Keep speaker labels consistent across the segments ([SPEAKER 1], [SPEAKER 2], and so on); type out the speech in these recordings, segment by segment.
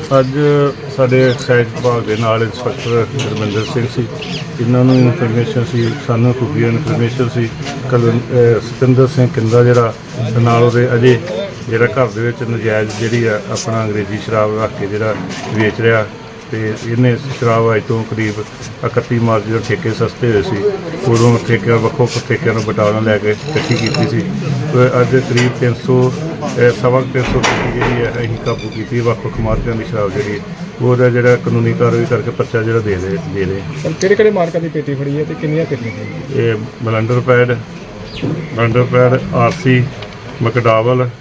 [SPEAKER 1] ਅੱਜ ਸਾਡੇ ਐਕਸਾਈਜ਼ ਵਿਭਾਗ ਦੇ ਨਾਲ ਇੰਸਪੈਕਟਰ ਗੁਰਮਿੰਦਰ ਸਿੰਘ ਸੀ। ਇਹਨਾਂ ਨੂੰ ਇਨਫੋਰਮੇਸ਼ਨ ਸੀ, ਸਾਨੂੰ ਖੁਫੀਆ ਇਨਫੋਰਮੇਸ਼ਨ ਸੀ। ਸਤਿੰਦਰ ਸਿੰਘ ਕਿੰਦਾ ਜਿਹੜਾ ਨਾਲ ਉਹਦੇ ਅਜੇ ਜਿਹੜਾ ਘਰ ਦੇ ਵਿੱਚ ਨਜਾਇਜ਼ ਜਿਹੜੀ ਆ ਆਪਣਾ ਅੰਗਰੇਜ਼ੀ ਸ਼ਰਾਬ ਰੱਖ ਕੇ ਜਿਹੜਾ ਵੇਚ ਰਿਹਾ, ਤੇ ਇਹਨੇ ਸ਼ਰਾਬ ਅੱਜ ਤੋਂ ਕਰੀਬ 31 ਮਾਰਚ ਜਦੋਂ ਠੇਕੇ ਸਸਤੇ ਹੋਏ ਸੀ ਉਦੋਂ ਠੇਕਿਆਂ ਵੱਖੋ ਠੇਕਿਆਂ ਨੂੰ ਬਟਾਲਾ ਲੈ ਕੇ ਇਕੱਠੀ ਕੀਤੀ ਸੀ। ਅੱਜ ਕਰੀਬ 300 ਜਿਹੜੀ ਹੈ ਅਸੀਂ ਕਾਬੂ ਕੀਤੀ। ਵੱਖ ਮਾਰਕਾਂ ਦੀ ਸ਼ਰਾਬ ਜਿਹੜੀ ਉਹਦਾ ਜਿਹੜਾ ਕਾਨੂੰਨੀ ਕਾਰਵਾਈ ਕਰਕੇ ਪਰਚਾ ਜਿਹੜਾ ਦੇ ਦੇ
[SPEAKER 2] ਕਿਹੜੇ ਮਾਰਕਾਂ ਦੀ ਪੇਟੀ ਫੜੀ ਹੈ ਤੇ ਕਿੰਨੀਆਂ ਪੇਟੀਆਂ?
[SPEAKER 1] ਇਹ ਬਲੰਡਰ ਪੈਡ ਆਰਸੀ ਮਕਡਾਵਲ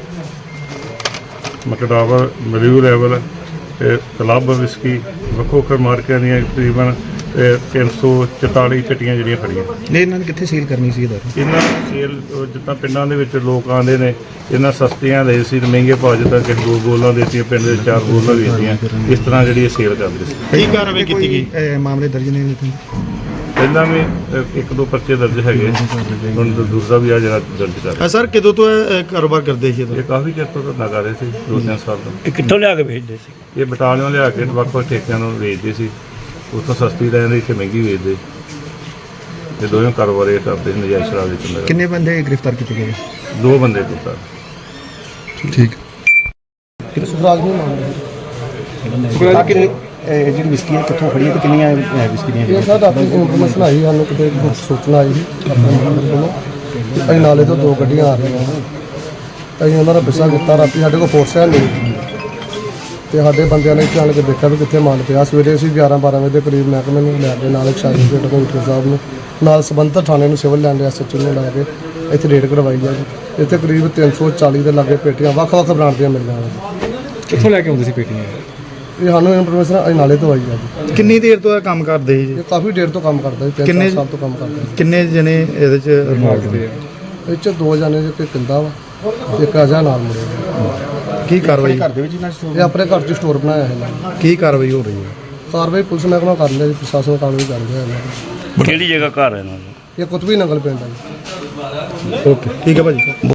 [SPEAKER 1] ਮਲਿਊ ਲੈਵਲ ਤੇ ਕਲੱਬ ਵਿਸਕੀ ਵੱਖੋ ਮਾਰਕਿਆਂ ਦੀਆਂ ਤਕਰੀਬਨ 344 ਚਿੱਟੀਆਂ ਜਿਹੜੀਆਂ ਫੜੀਆਂ।
[SPEAKER 3] ਨਹੀਂ, ਇਹਨਾਂ ਨੇ ਕਿੱਥੇ ਸੇਲ ਕਰਨੀ ਸੀ?
[SPEAKER 1] ਇਹਨਾਂ ਸੇਲ ਜਿੱਦਾਂ ਪਿੰਡਾਂ ਦੇ ਵਿੱਚ ਲੋਕ ਆਉਂਦੇ ਨੇ, ਇਹਨਾਂ ਸਸਤੀਆਂ ਦੇ ਸੀ ਤੇ ਮਹਿੰਗੇ ਭਾਅ, ਜਿੱਦਾਂ ਕਿ 2 ਬੋਲਾਂ ਦੇਤੀਆਂ, ਪਿੰਡ ਦੇ 4 ਬੋਲਾਂ ਵੇਚਦੀਆਂ, ਇਸ ਤਰ੍ਹਾਂ ਜਿਹੜੀ ਇਹ ਸੇਲ ਕਰਦੇ ਸੀ।
[SPEAKER 3] ਕਈ ਕਾਰਵਾਈ ਕੀਤੀ ਗਈ? ਮਾਮਲੇ ਦਰਜ ਨੇ
[SPEAKER 1] ਪਹਿਲਾਂ ਵੀ 1-2 ਪਰਚੇ ਦਰਜ ਹੈਗੇ, ਹੁਣ ਦੂਸਰਾ ਵੀ ਆ ਜਿਹੜਾ ਦਰਜ ਕਰ।
[SPEAKER 3] ਸਰ ਕਦੋਂ ਤੋਂ ਇਹ ਕਾਰੋਬਾਰ ਕਰਦੇ ਸੀ?
[SPEAKER 1] ਇਹ ਕਾਫੀ ਚਿਰ ਤੋਂ ਧੰਦਾ ਕਰ ਰਹੇ ਸੀ, 2-3 ਸਾਲ ਤੋਂ।
[SPEAKER 2] ਇਹ ਕਿੱਥੋਂ ਲਿਆ ਕੇ ਵੇਚਦੇ ਸੀ?
[SPEAKER 1] ਇਹ ਬਟਾਲਿਓਂ ਲਿਆ ਕੇ ਵੱਖ ਠੇਕਿਆਂ ਨੂੰ ਵੇਚਦੇ ਸੀ, ਉੱਥੋਂ ਸਸਤੀ ਲੈ ਜਾਂਦੇ, ਇੱਥੇ ਮਹਿੰਗੀ ਵੇਚਦੇ। ਇਹ ਦੋਵੇਂ ਕਾਰੋਬਾਰ ਇਹ ਕਰਦੇ ਸੀ ਨਜਾਇਜ਼ ਸ਼ਰਾਬ ਵੇਚਣ ਦਾ।
[SPEAKER 3] ਕਿੰਨੇ ਬੰਦੇ ਗ੍ਰਿਫਤਾਰ ਕੀਤੇ ਗਏ?
[SPEAKER 1] 2 ਬੰਦੇ ਗ੍ਰਿਫਤਾਰ।
[SPEAKER 3] ਠੀਕ।
[SPEAKER 2] ਸੁਖਰਾਜ ਨੂੰ ਮਾਮਲਾ
[SPEAKER 3] ਜਿਹੜੀ ਵਿਸਕੀ ਹੈ ਕਿੱਥੋਂ ਫੜੀ ਹੈ ਤੇ ਕਿੰਨੀਆਂ ਵਿਸਕੀ ਦੀਆਂ?
[SPEAKER 2] ਇਹ ਸਰ ਆਪਣੀ ਇਨਫੋਰਮੇਸ਼ਨ ਆਈ ਸਾਨੂੰ, ਕਿਤੇ ਸੂਚਨਾ ਆਈ ਸੀ ਆਪਣੇ ਨੰਬਰ ਕੋਲੋਂ। ਅਸੀਂ ਨਾਲੇ ਤੋਂ 2 ਗੱਡੀਆਂ ਆ ਰਹੀਆਂ, ਅਸੀਂ ਉਹਨਾਂ ਦਾ ਪਿੱਛਾ ਕੀਤਾ। ਰਾਤੀ ਸਾਡੇ ਕੋਲ ਫੋਰਸ ਹੈ ਨਹੀਂ ਤੇ ਸਾਡੇ ਬੰਦਿਆਂ ਨੇ ਜਾਣ ਕੇ ਦੇਖਿਆ ਵੀ ਕਿੱਥੇ ਮਾਲ ਪਿਆ। ਸਵੇਰੇ ਅਸੀਂ 11-12 ਵਜੇ ਦੇ ਕਰੀਬ ਮਹਿਕਮੇ ਨੂੰ ਲੈ ਕੇ ਨਾਲ ਐਕਸਾਈਜ਼ ਰੇਟ ਕਮਿਸ਼ਨਰ ਸਾਹਿਬ ਨੂੰ ਨਾਲ ਸੰਬੰਧਿਤ ਥਾਣੇ ਨੂੰ ਸਿਵਲ ਲੈਂਡ ਐਸਐਚਓ ਨੂੰ ਲੈ ਕੇ ਇੱਥੇ ਰੇਡ ਕਰਵਾਈ ਹੈ ਜੀ। ਇੱਥੇ ਕਰੀਬ 340 ਦੇ ਲਾਗੇ ਪੇਟੀਆਂ ਵੱਖ ਬ੍ਰਾਂਡ ਦੀਆਂ ਮਿਲੀਆਂ ਨੇ।
[SPEAKER 3] ਕਿੱਥੋਂ ਲੈ ਕੇ ਆਉਂਦੇ ਸੀ ਪੇਟੀਆਂ?
[SPEAKER 2] ਇਹ ਸਾਨੂੰ ਇਨਫੋਰਮੇਸ਼ਨ ਅਸੀਂ ਨਾਲੇ ਤੋਂ ਆਈ ਹੈ ਜੀ।
[SPEAKER 3] ਕਿੰਨੀ ਦੇਰ ਤੋਂ ਇਹ ਕੰਮ ਕਰਦੇ ਸੀ?
[SPEAKER 2] ਇਹ ਕਾਫੀ ਦੇਰ ਤੋਂ ਕੰਮ ਕਰਦਾ ਜੀ, 3 ਸਾਲ ਤੋਂ ਕੰਮ ਕਰਦਾ ਜੀ।
[SPEAKER 3] ਕਿੰਨੇ ਜਣੇ ਇਹਦੇ ਚ ਇਨਵੋਲਵ?
[SPEAKER 2] ਇਹ 'ਚ 2 ਜਣੇ ਇੱਕ ਕਿੰਦਾ ਵਾ, ਇੱਕ ਅਜਾ ਨਾਲ ਮੁੰਡੇ।
[SPEAKER 3] ਕੀ ਕਾਰਵਾਈ?
[SPEAKER 2] ਇਹ ਆਪਣੇ ਘਰ 'ਚ ਸਟੋਰ ਬਣਾਇਆ ਹੈ ਇਹਨਾਂ ਨੇ।
[SPEAKER 3] ਕੀ ਕਾਰਵਾਈ ਹੋ ਰਹੀ ਹੈ?
[SPEAKER 2] ਕਾਰਵਾਈ ਪੁਲਿਸ ਮਹਿਕਮਾ ਕਰ ਲਿਆ ਜੀ, ਪ੍ਰਸ਼ਾਸਨ ਕਾਰਵਾਈ ਕਰ ਰਿਹਾ ਇਹਨਾਂ ਦੀ।
[SPEAKER 4] ਕਿਹੜੀ ਜਗ੍ਹਾ ਘਰ ਹੈ ਇਹਨਾਂ ਦਾ?
[SPEAKER 2] ਇਹ ਕੁਤਬੀ ਨੰਗਲ ਪਿੰਡ ਹੈ ਜੀ।
[SPEAKER 3] ਓਕੇ, ਠੀਕ ਹੈ ਭਾਜੀ।